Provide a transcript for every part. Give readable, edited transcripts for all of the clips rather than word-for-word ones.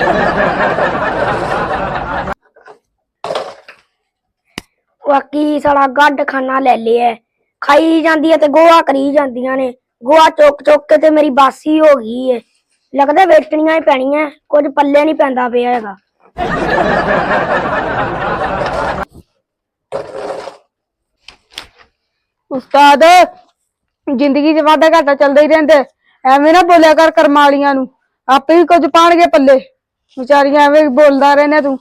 बाकी साला गड्ड खाना ले लिया खाई जाती है ते गोहा करी जांदियां ने गोहा चुक चुक के ते मेरी बासी हो गई है लगदा वेचनियां ही पैणियां कुछ पल्ले नहीं पैंदा पिया हैगा। उस्ताद जिंदगी च वादा घाटा चलदा ही रहिंदा एवें ना बोलिया कर कर्मां वालियां नूं आपे ही कुछ पाणगे पल्ले बेचारियां एवें बोलदा रहना तू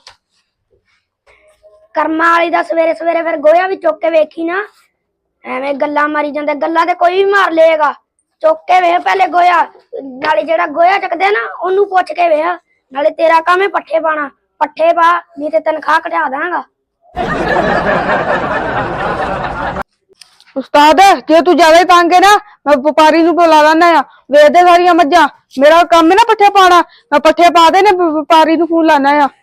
कर्मा वाली दा सवेरे सवेरे फिर गोया भी चुक के वेखी ना एवें गल्लां मारी जांदे गल्लां ते कोई भी मार लेगा चुक के वेख पहले गोया नाले जेड़ा गोया चकदे ना ओनू पुछ के वेख नाले तेरा काम है पट्ठे पाना पट्ठे पा नहीं ते तनखा घटा दांगा। उस्ताद जे तू ज्यादा ही तंग है ना मैं व्यापारी नूं बुला लाना आ वेच दे सारियां मज्जां मेरा काम है ना पट्ठे पाना मैं पट्ठे पा दे ने व्यापारी नूं फोन लाना आ।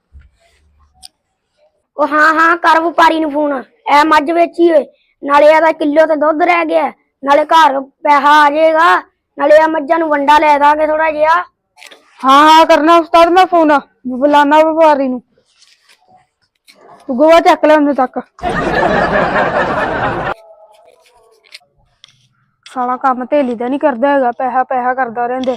ओ हाँ कर व्यापारी नूं फोन ए मझ वेची होए नाले एदा किलो ते दुध रह गया नाले घर पैसा आ जाएगा नाले आ मज्जां नूं वंडा लै दांगे थोड़ा जिहा। हाँ करना उस्ताद मैं फोन बुलाना व्यापारी नूं तू गोवा चक ले उन्ने तक साला काम धेली दा नहीं करदा हैगा पैसा पैसा करदा रहिंदे।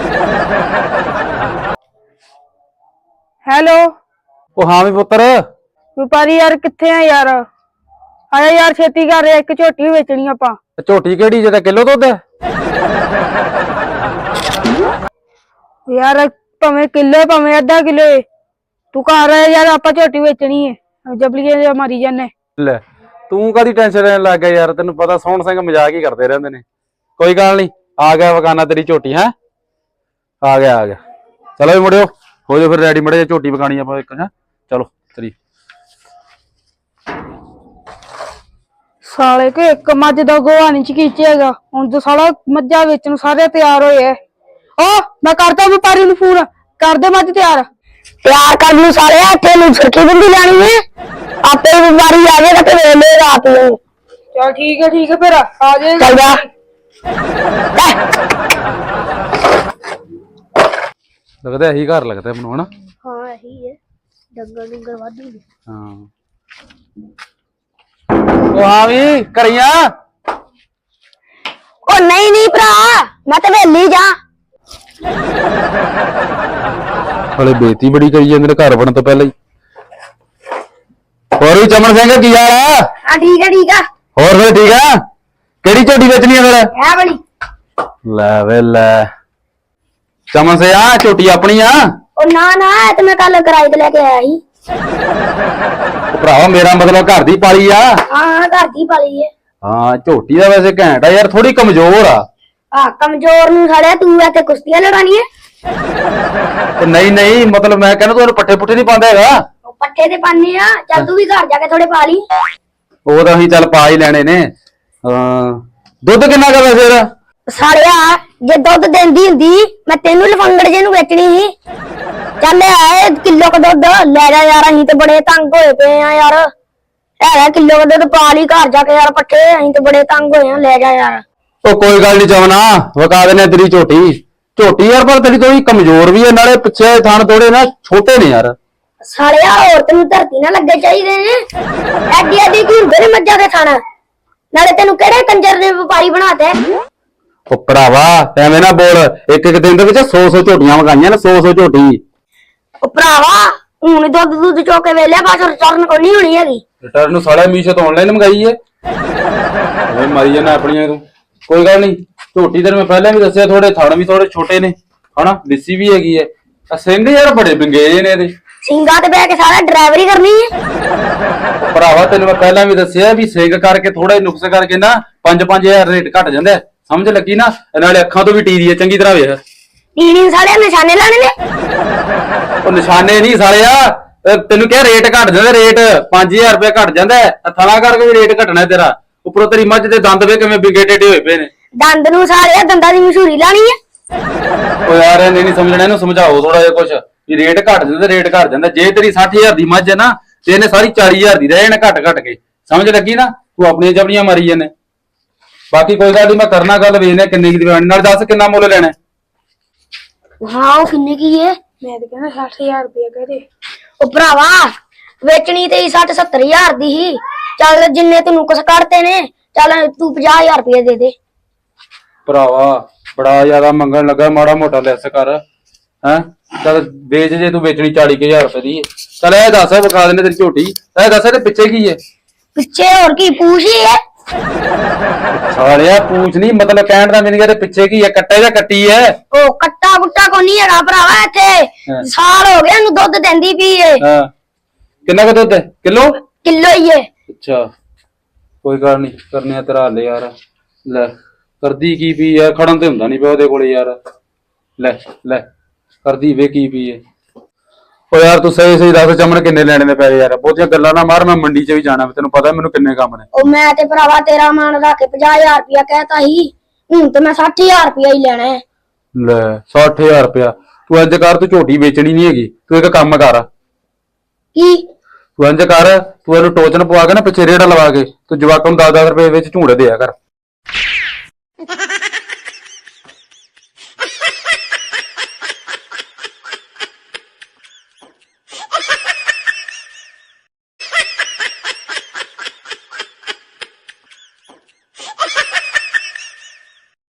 हेलो ओ हाँ भी पुत्र व्यापारी यार किथे आ यार आया यार छेती कर एक झोटी बेचनी आपां। झोटी केड़ी जे किलो दुध है यार भावें किलो भावें अद्धा किलो तू घर आया यार आपां झोटी बेचनी है जबलिए मारी जाने। ले तू कादी टेंशन लेने लग गया यार तेन पता सोहन सिंह मजाक ही करते रहंदे ने कोई गल नहीं आ गया वकाना तेरी झोटी है आ गया चलो भी मुड़ियो हो जाओ फिर रेडी मड़े झोटी वकानी आप एक है चलो तेरी साले के एक मज दा गोहा नहीं चकीचेगा हुण तो साला मज्जा बेचन सारे तैयार होए ओ मैं करदा व्यापारी नूं फोन कर दे मज तैयार कर लू सारे इत्थे नूं सुर्खी बिंदी लानी है आपे व्यापारी आ जाएगा ते ले ले रात नूं। चल ठीक है फिर आ जाए चल जा लगता यही घर लगता है मनु है ना। हाँ यही है डंगर डंगर वाधू हाँ ओ हाँ भी करिया ओ नहीं भरा मैं तो वेली जा हले बेइज्जती बड़ी करी जांदे घर बनन तो पहले ही और भी चमन सिंह की हाल है। हाँ ठीक है और फिर ठीक है केड़ी झोटी बेचनी है फिर है बड़ी ले वे ले चमन से आ झोटी अपनी आ ओ ना तो मैं कल किराए ते लेके आया ही भरावा मेरा मतलब घर दी पाली आ। हाँ घर की पाली है। हाँ झोटी दा वैसे घैंट है यार थोड़ी कमजोर आ कमजोर नूं साड़िया तू इत्थे कुश्तियां लड़ानी है तो नहीं मतलब मैं कहना तू पट्ठे पुट्ठे नहीं पांदा हैगा पट्ठे ते पाने आ चल तू भी घर जाके थोड़े पा ली ਉਹ ਤਾਂ ਅਸੀਂ ਚੱਲ ਪਾ ਹੀ ਲੈਣੇ ਨੇ ਦੁੱਧ ਕਿੰਨਾ ਕਰ ਵੈਸੇ साड़िया जे दुध देंदी हुंदी मैं तेनू लफंगड़ जे नूं वेचनी ही चल आए किलो का दुध ले जा यार अहीं ते बड़े तंग होए पे आ यार है किलो का दुध पा ली घर जाके यार पट्ठे अहीं ते बड़े तंग होए ले जा यार। ਉਹ ਕੋਈ ਗੱਲ ਨਹੀਂ ਚਵਨਾ ਵਕਾ ਦੇਨੇ ਤੇਰੀ ਝੋਟੀ ਯਾਰ ਪਰ ਤੇਰੀ ਥੋੜੀ ਕਮਜ਼ੋਰ ਵੀ ਹੈ ਨਾਲੇ ਪਿੱਛੇ ਥਣ ਥੋੜੇ ਨਾ ਛੋਟੇ ਨੇ ਯਾਰ साड़िया औरत नूं धरती ना लगे चाहिए ने एडी एडी की हुंदे ने मज्जां दे थण नाले तेनू केड़े कंजर ने व्यापारी बनाते ਉਹ ਭਰਾਵਾ ਐਵੇਂ ਨਾ ਬੋਲ ਇੱਕ ਦਿਨ ਦੇ ਵਿੱਚ 100 ਝੋਟੀਆਂ ਵਗਾਈਆਂ ਨੇ 100 ਝੋਟੀ ओ भरावा हुण दुध चोके वेले बस रिटर्न कोई नहीं होनी हैगी ਰਿਟਰਨ ਨੂੰ ਸਾਲੇ ਮੀਸ਼ੋ ਤੋਂ ਆਨਲਾਈਨ ਮੰਗਾਈ ਏ ਓਏ ਮਾਰੀ ਜਾਣਾ ਆਪਣੀਆਂ ਤੂੰ ਕੋਈ ਗੱਲ ਨਹੀਂ ਝੋਟੀ ਤੈਨੂੰ ਮੈਂ ਪਹਿਲਾਂ ਵੀ ਦੱਸਿਆ ਥੋੜੇ ਥਣ ਵੀ ਥੋੜੇ ਛੋਟੇ ਨੇ ਹਨਾ ਲਿੱਸੀ ਵੀ ਹੈਗੀ ਏ ਆ ਸਿੰਘ ਯਾਰ ਬੜੇ ਬਿੰਗੇ ਨੇ ਇਹਦੇ ਸਿੰਘਾਂ ਤੇ ਬਹਿ ਕੇ ਸਾਰਾ ਡਰਾਈਵਰੀ ਕਰਨੀ ਹੈ ਭਰਾਵਾ ਤੈਨੂੰ ਮੈਂ ਪਹਿਲਾਂ ਵੀ ਦੱਸਿਆ ਵੀ ਸਿੰਘ ਕਰਕੇ ਥੋੜਾ ਨੁਕਸ ਕਰਕੇ ਨਾ 5-5000 ਰੇਟ ਘਟ ਜਾਂਦਾ ਸਮਝ ਲੱਗੀ ਨਾ ਨਾਲੇ ਅੱਖਾਂ ਤੋਂ ਵੀ ਟੀਰੀ ਹੈ ਚੰਗੀ ਤਰ੍ਹਾਂ ਵੇਖ ਟੀਣੀ ਸਾਲੇ ਨਿਸ਼ਾਨੇ ਲਾਣੇ ਨੇ ਉਹ ਨਿਸ਼ਾਨੇ ਨਹੀਂ ਸਾਲਿਆ ਤੈਨੂੰ ਕਿਹਾ ਰੇਟ ਘਟ ਜਾਂਦਾ ਰੇਟ 5000 ਰੁਪਏ ਘਟ ਜਾਂਦਾ ਥਣਾ ਕਰਕੇ ਵੀ ਰੇਟ ਘਟਣਾ ਤੇਰਾ ਉੱਪਰੋਂ ਤੇਰੀ ਮੱਝ ਦੇ ਦੰਦ ਵੇ ਕਿਵੇਂ ਬਿੰਗੇ ਟੇਢੇ ਹੋਏ ਪਏ ਨੇ ਦੰਦ ਨੂੰ ਸਾਲਿਆ ਦੰਦਾਂ ਦੀ ਮਸ਼ਹੂਰੀ ਲਾਣੀ ਹੈ ਉਹ ਯਾਰ ਇਹਨੇ ਨਹੀਂ ਸਮਝਣਾ ਇਹਨੂੰ ਸਮਝਾਓ ਥੋੜਾ ਜਿਹਾ ਕੁਛ ਵੀ ਰੇਟ ਘਟ ਜਾਂਦਾ ਰੇਟ ਘਟ ਜਾਂਦਾ ਜੇ ਤੇਰੀ 60000 ਦੀ ਮੱਝ ਹੈ ਨਾ ਤੇ ਇਹਨੇ ਸਾਰੀ 40000 ਦੀ ਰਹਿ ਜਾਣਾ ਘਟ ਕੇ ਸਮਝ ਲੱਗੀ ਨਾ ਤੂੰ ਆਪਣੀਆਂ ਜਬੜੀਆਂ ਮਾਰੀ ਜਾਂਦੇ ਬਾਕੀ ਕੋਈ ਗੱਲ ਨਹੀਂ ਮੈਂ ਕਰਨਾ ਗੱਲ ਵੇਖਨੇ ਕਿੰਨੇ ਦੀ ਨਾਲ ਦੱਸ ਕਿੰਨਾ ਮੁੱਲ ਲੈਣਾ हाँ वो किन्ने की है ਮੈਂ ਤਾਂ ਕਹਿੰਦਾ 60000 ਰੁਪਏ ਕਹਦੇ। ਉਹ ਭਰਾਵਾ ਵੇਚਣੀ ਤੇ 60-70 ਹਜ਼ਾਰ ਦੀ ਹੀ। ਚੱਲ ਜਿੰਨੇ ਤੈਨੂੰ ਕੁਛ ਕੱਢਦੇ ਨੇ, ਚੱਲ ਤੂੰ 50 ਹਜ਼ਾਰ ਰੁਪਏ ਦੇ ਦੇ। ਭਰਾਵਾ ਬੜਾ ਜ਼ਿਆਦਾ ਮੰਗਣ ਲੱਗਾ, ਮਾੜਾ ਮੋਟਾ ਲੈਸ ਕਰ ਹੈ। ਚੱਲ ਵੇਚ, ਜੇ ਤੂੰ ਵੇਚਣੀ 40,000 ਰੁਪਏ ਦੀ ਹੈ। ਚੱਲ ਇਹ ਦੱਸ, ਵਿਖਾ ਦਿੰਦੇ ਤੇਰੀ ਝੋਟੀ। ਇਹ ਦੱਸ ਇਹਦੇ ਪਿੱਛੇ ਕੀ ਹੈ? ਪਿੱਛੇ ਹੋਰ ਕੀ ਪੂਛ ਹੀ ਹੈ। ਸਾਲਿਆ ਪੂਛ ਨਹੀਂ, ਮਤਲਬ ਕਹਿਣ ਦਾ ਮੈਨੂੰ ਇਹਦੇ ਪਿੱਛੇ ਕੀ ਹੈ? ਕੱਟੇ ਜਾਂ ਕੱਟੀ ਹੈ? ਉਹ ਕੱਟਾ ਕੁੱਟਾ ਕੋ ਨਹੀਂ ਹੈਗਾ ਭਰਾਵਾ ਇੱਥੇ। ਸਾਲ ਹੋ ਗਿਆ ਇਹਨੂੰ ਦੁੱਧ ਦਿੰਦੀ ਪਈ ਏ। ਹਾਂ, ਕਿੰਨਾ ਕੁ ਦੁੱਧ ਹੈ? ਕਿਲੋ ਹੀ ਏ। ਅੱਛਾ, ਕੋਈ ਗੱਲ ਨਹੀਂ, ਕਰਨੇ ਆ ਤੇਰਾ ਹੱਲ ਯਾਰ। ਲੈ ਕਰਦੀ ਕੀ ਪਈ ਆ? ਖੜਨ ਤੇ ਹੁੰਦਾ ਨਹੀਂ ਪਿਆ ਉਹਦੇ ਕੋਲੇ ਯਾਰ। ਲੈ ਲੈ ਕਰਦੀ ਵੇ ਕੀ ਪਈ ਏ। ਓ ਯਾਰ ਤੂੰ ਸਹੀ ਸਹੀ ਦੱਸ, ਚਮਨ ਕਿੰਨੇ ਲੈਣੇ ਨੇ ਪੈਸੇ ਯਾਰ? ਬਹੁਤੀਆਂ ਗੱਲਾਂ ਨਾ ਮਾਰ, ਮੈਂ ਮੰਡੀ 'ਚ ਵੀ ਜਾਣਾ, ਤੈਨੂੰ ਪਤਾ ਮੈਨੂੰ ਕਿੰਨੇ ਕੰਮ ਨੇ। ਉਹ ਮੈਂ ਤੇ ਭਰਾਵਾ ਤੇਰਾ ਮਾਨ ਰੱਖ ਕੇ 50 ਹਜ਼ਾਰ ਰੁਪਇਆ ਕਹਿਤਾ ਸੀ, ਹੁਣ ਤੇ ਮੈਂ 60 ਹਜ਼ਾਰ ਰੁਪਇਆ ਹੀ ਲੈਣਾ ਹੈ। ਲੈ 60,000 ਰੁਪਇਆ? ਤੂੰ ਇੰਜ ਕਰ, ਤੂੰ ਝੋਟੀ ਵੇਚਣੀ ਨਹੀਂ ਹੈਗੀ, ਤੂੰ ਇੱਕ ਕੰਮ ਕਰ। ਕੀ? ਤੂੰ ਇੰਜ ਕਰ, ਤੂੰ ਇਹਨੂੰ ਟੋਚਨ ਪਵਾ ਕੇ ਨਾ ਪਿੱਛੇ ਰੇੜਾ ਲਵਾ ਕੇ, ਤੂੰ ਜਵਾਕਾਂ ਨੂੰ 10-10 ਰੁਪਏ ਵਿੱਚ ਝੂੜੇ ਦਿਆ ਕਰ।